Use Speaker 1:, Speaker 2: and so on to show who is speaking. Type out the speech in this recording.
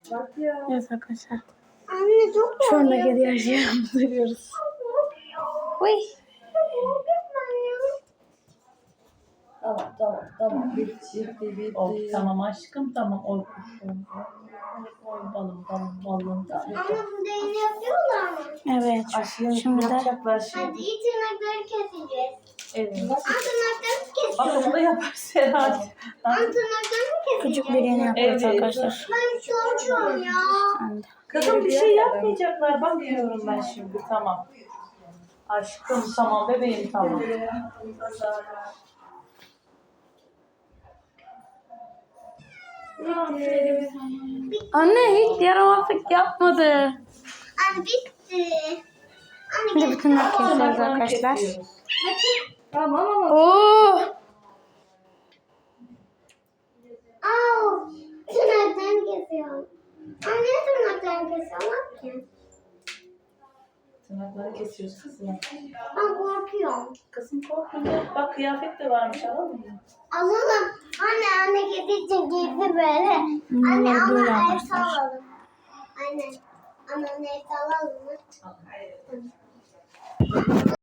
Speaker 1: Bak ya.
Speaker 2: Evet arkadaşlar.
Speaker 3: Anne çok
Speaker 2: Şu anda kedi yaşayamızı görüyoruz. Uy.
Speaker 1: Tamam. Bitti. Tamam aşkım, tamam. Oy kuşum. Oy balım.
Speaker 3: Ama burada yine yapıyorlar mı?
Speaker 2: Evet. Şimdi de
Speaker 1: yapacaklar şimdi.
Speaker 3: Hadi iyi tırnakları keseceğiz.
Speaker 1: Evet.
Speaker 3: Tırnaklarını kesiyoruz.
Speaker 1: Bak onu da yaparız herhalde.
Speaker 3: Tırnaklarını keseceğiz.
Speaker 2: küçük bir yeni yapıyoruz
Speaker 1: Evet.
Speaker 2: arkadaşlar.
Speaker 3: Ben çocuğum ya.
Speaker 2: Ben de.
Speaker 1: Kızım bir şey yapmayacaklar. Bak diyorum ben şimdi. Tamam. Aşkım tamam. Bebeğim tamam.
Speaker 2: Anne hiç yaramazlık yapmadı.
Speaker 3: Anne bitti. Anne
Speaker 2: Şimdi
Speaker 3: gel.
Speaker 2: bütün kesiyoruz arkadaşlar.
Speaker 3: Bakayım.
Speaker 1: Tamam.
Speaker 2: Oo.
Speaker 3: Au. Tırnaklarını kesiyorum. Anne tırnaklarını kesiyorlar ki.
Speaker 1: Tırnakları kesiyoruz kızım.
Speaker 3: Ben korkuyorum.
Speaker 1: Kızım korkma. Bak kıyafet de varmış, alalım mı?
Speaker 3: Alalım. Anne kedi için giydi böyle. Anne ama
Speaker 2: böyle
Speaker 3: el
Speaker 2: arkadaşlar.
Speaker 3: alalım. Anne. Anne el alalım mı?